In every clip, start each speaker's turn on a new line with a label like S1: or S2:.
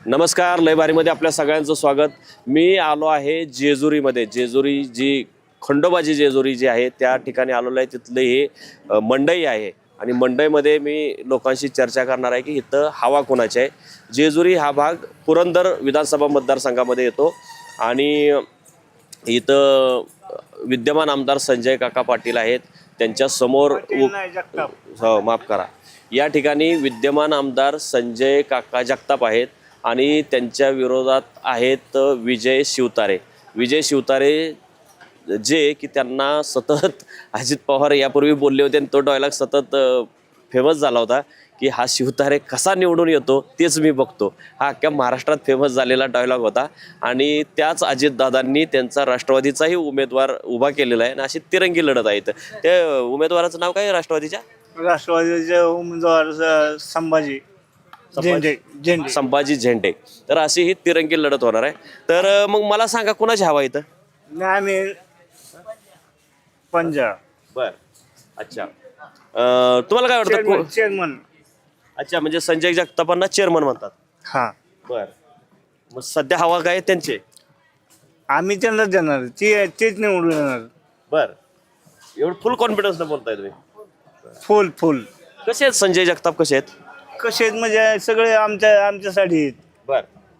S1: नमस्कार, लय भारीमध्ये आपल्या सगळ्यांचं स्वागत. मी आलो आहे जेजुरीमध्ये. जेजुरी जी खंडोबाची जेजुरी जी आहे त्या ठिकाणी आलेलो आहे. तिथले हे मंडई आहे आणि मंडईमध्ये मी लोकांशी चर्चा करणार आहे की इथं हवा कोणाची आहे. जेजुरी हा भाग पुरंदर विधानसभा मतदारसंघामध्ये येतो आणि इथं विद्यमान आमदार संजय काका पाटील आहेत. त्यांच्या समोर माफ करा, या ठिकाणी विद्यमान आमदार संजय काका जगताप आहेत आणि त्यांच्या विरोधात आहेत विजय शिवतारे. विजय शिवतारे जे की त्यांना सतत अजित पवार यापूर्वी बोलले होते आणि तो डायलॉग सतत फेमस झाला होता की हा शिवतारे कसा निवडून येतो तेच मी बघतो. हा अख्ख्या महाराष्ट्रात फेमस झालेला डायलॉग होता आणि त्याच अजितदादांनी त्यांचा राष्ट्रवादीचाही उमेदवार उभा केलेला आहे आणि अशी तिरंगी लढत आहे. ते उमेदवाराचं नाव काय आहे राष्ट्रवादीच्या?
S2: राष्ट्रवादीचे उमेदवार
S1: संभाजी झेंडे. तर अशी ही तिरंगी लढत होणार आहे. तर मग मला सांगा कुणाची हवा इथं?
S2: आम्ही पंजाब.
S1: बर, अच्छा. तुम्हाला काय वाटतं?
S2: चेअरमन.
S1: अच्छा, म्हणजे संजय जगतापांना चेअरमन म्हणतात.
S2: हा,
S1: बर. मग सध्या हवा काय त्यांचे?
S2: आम्ही त्यांनाच देणार, तेच निवडून येणार.
S1: बर, एवढं फुल कॉन्फिडन्स न बोलताय तुम्ही?
S2: फुल.
S1: कसे आहेत संजय जगताप? कसे आहेत?
S2: कसे म्हणजे सगळे आमच्यासाठी आहेत.
S1: बर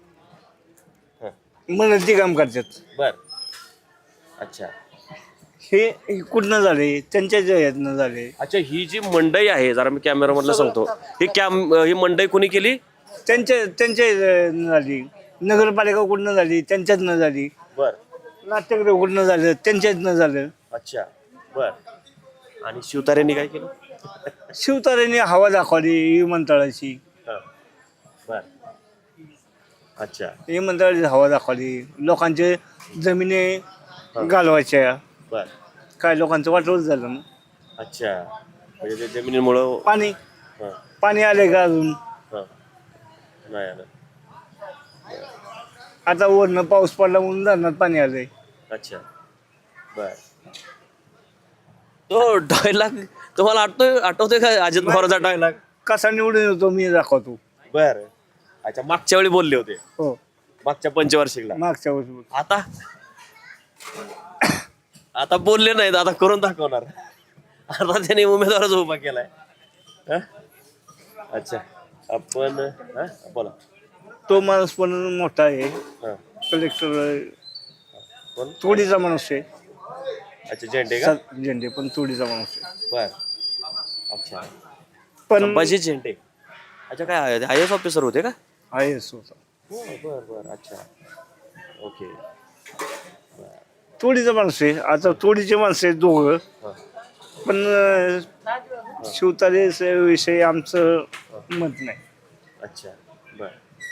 S2: मेहनती काम करतात.
S1: बर, अच्छा.
S2: हे कुठनं झाले? त्यांच्याच ह्यातनं झाले.
S1: अच्छा, ही जी मंडई आहे, जरा मी कॅमेरामधलं सांगतो, ही मंडई कोणी केली?
S2: त्यांच्या झाली. नगरपालिका कुठनं झाली? त्यांच्यातनं झाली.
S1: बर,
S2: नाट्यगृह कुठनं झालं? त्यांच्यातनं झालं.
S1: अच्छा. बर, आणि शिवतारेंनी काय केलं?
S2: शिवतारेंनी हवा दाखवली विमानतळाची.
S1: बर, अच्छा.
S2: विमानतळाची हवा दाखवली. लोकांचे जमिनी घालवायच्या.
S1: बर,
S2: काय लोकांचं वाटवच झालं मग.
S1: अच्छा, म्हणजे ते जमिनीमुळं
S2: पाणी आले का अजून?
S1: नाही आलं.
S2: आता वरनं पाऊस पडला म्हणून धरणात पाणी आलंय.
S1: अच्छा, बर. तो डायलॉग तुम्हाला आठवतोय का? अजित पवारचा डायलॉग
S2: कसा निवडून येतो मी दाखवतो.
S1: बर, अच्छा. मागच्या वेळी बोलले होते,
S2: हो,
S1: मागच्या पंचवार्षिकला.
S2: मागच्या वर्षी.
S1: आता बोलले नाहीत, आता करून दाखवणार. आता त्याने उमेदवारच उभा केलाय. अच्छा, आपण बोला.
S2: तो माणूस पण मोठा आहे, कलेक्टर. तोडीचा माणूस आहे.
S1: अच्छा, झेंडे का?
S2: झेंडे पण तोडीचा माणूस आहे.
S1: बर, अच्छा.
S2: पण
S1: संभाजी झेंडे. अच्छा, काय आय एस ऑफिसर होते का?
S2: IAS होता.
S1: बर बर, अच्छा, ओके.
S2: तोडीचा माणूस आहे. आता तोडीचे माणसं आहेत दोघं. पण शिवतारे विषयी आमचं मत नाही.
S1: अच्छा, बर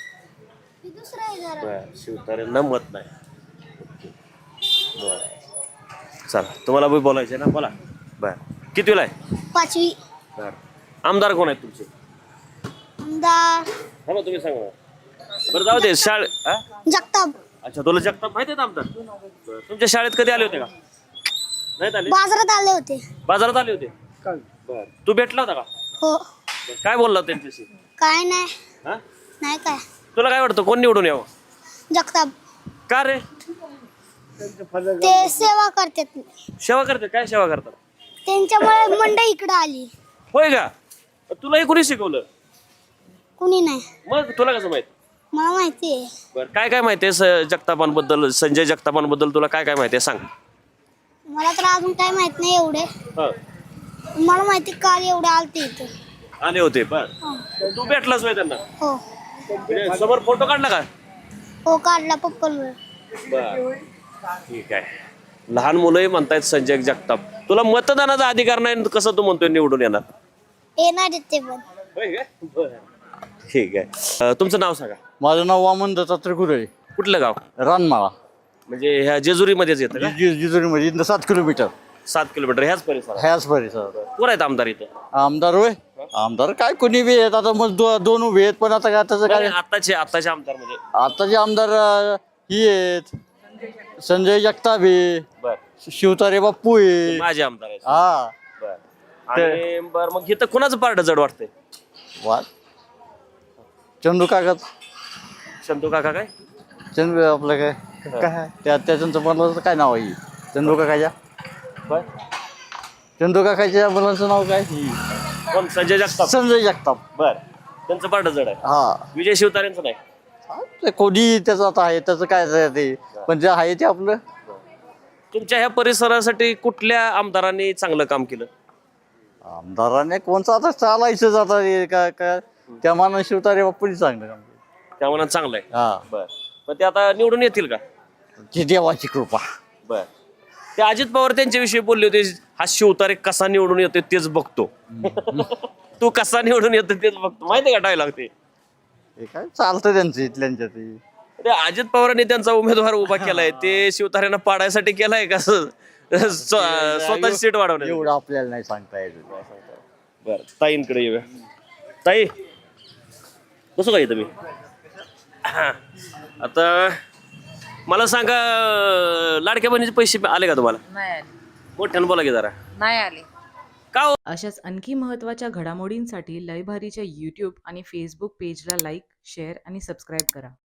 S1: बर, शिवतारेंना मत नाही. ओके, बर. चला, तुम्हाला बी बोलायचं ना, बोला. बर, कितवीला आहे?
S3: 5वी.
S1: बर, आमदार कोण आहेत तुमचे?
S3: आमदार
S1: हा, तुम्ही सांगा. बरं, जाऊ दे.
S3: जगताप.
S1: अच्छा, तुला जगताप माहिती आहेत आमदार? बरं. तुमच्या शाळेत कधी आले होते का? नाही आले?
S3: बाजारात आले होते.
S1: बाजारात आले होते. बर, तू भेटला होता का?
S3: हो.
S1: बरं, काय बोलला त्यांच्याशी?
S3: काय नाही.
S1: हा,
S3: नाही काय.
S1: तुला काय वाटतं कोण निवडून यावं?
S3: जगताप.
S1: का रे?
S3: ते सेवा करतात.
S1: सेवा करते? काय सेवा करतात?
S3: त्यांच्यामुळे मंडई इकडे आली.
S1: होय का? तुलाही कोणी शिकवलं?
S3: कुणी नाही.
S1: मग तुला कसं माहित?
S3: मला माहिती आहे.
S1: बरं, काय काय माहिती आहे जगतापांबद्दल, संजय जगतापांबद्दल तुला काय काय माहिती आहे सांग.
S3: मला तर अजून काय माहित नाही एवढे. मला माहिती काल एवढे आलते इथं.
S1: आले होते. बर, तू भेटलास होय त्यांना?
S3: हो.
S1: म्हणजे समोर फोटो काढला का?
S3: हो, काढला पप्पलवर.
S1: बर, ठीक आहे. लहान मुलंही म्हणतायत संजय जगताप. तुला मतदानाचा अधिकार नाही, कसं तू म्हणतोय निवडून येणार?
S3: येणार आहेत ते पण.
S1: ठीक आहे. तुमचं नाव सांगा.
S4: माझं नाव वामन दत्तात्रय गुरे.
S1: कुठलं गाव?
S4: रानमाळा.
S1: म्हणजे ह्या जेजुरीमध्येच येतं का?
S4: जिजुरीमध्ये इथं 7 किलोमीटर.
S1: 7 किलोमीटर ह्याच परिसरात.
S4: ह्याच परिसर.
S1: कोण आहेत आमदार इथं?
S4: आमदार होय? आमदार काय कोणी बी आहेत. आता मग दोन उभे आहेत, पण आता काय त्याचं काय.
S1: आताचे आमदार म्हणजे
S4: आताचे आमदार ही आहेत, संजय जगताप आहे,
S1: बर,
S4: शिवतारे बाप्पू आहे.
S1: माझे आमदार आहेत.
S4: हा,
S1: बर. आणि बर, मग इथं कोणाचं पारड जड वाटतंय?
S4: वा, चंदू कागद.
S1: संतू काका काय
S4: चंद्र आपलं काय काय त्यांचं मुलाचं काय नाव आहे चंदू काकाच्या
S1: काय
S4: चंदू काकाच्या मुलाचं नाव काय
S1: कोण संजय जगताप
S4: संजय जगताप.
S1: बर त्यांचं पाठ जड आहे
S4: हा
S1: विजय शिवतारेंचं नाही
S4: ते कोणी त्याचं आता आहे त्याचं काय ते पण जे आहे ते आपलं.
S1: तुमच्या ह्या परिसरासाठी कुठल्या आमदारांनी चांगलं काम केलं
S4: आमदाराने कोणचं आता चालायचं जाता काय काय त्या मानाने शिवतारे बाप्पूनी चांगलं काम केलं.
S1: त्या मनात चांगलं आहे
S4: हा
S1: बर पण ते आता निवडून येतील का
S4: ती देवाची कृपा.
S1: बर ते अजित पवार त्यांच्याविषयी बोलले होते हा शिवतारे कसा निवडून येतो तेच बघतो तू कसा निवडून येतो तेच बघतो माहितीये का डायलॉग ते
S4: हे काय चालतं त्यांचं इथल्यांच्या ते
S1: ते अजित पवारांनी त्यांचा उमेदवार उभा केलाय ते शिवतारेंना पाडायसाठी केलाय का स्वतःची सीट वाढवण्यासाठी
S4: एवढं आपल्याला नाही सांगता येत.
S1: बर ताईंकडे येऊया ताई कसं काय तुम्ही आता मला सांगा लाडक्या बहिणीचे पैसे आले का तुम्हाला
S5: नाही आले
S1: मोठ्यानं बोला की जरा
S5: नाही आले
S1: का हो?
S6: अशाच आणखी महत्त्वाच्या घडामोडींसाठी लयभारीच्या यूट्यूब आणि फेसबुक पेजला लाईक, शेअर आणि सबस्क्राईब करा.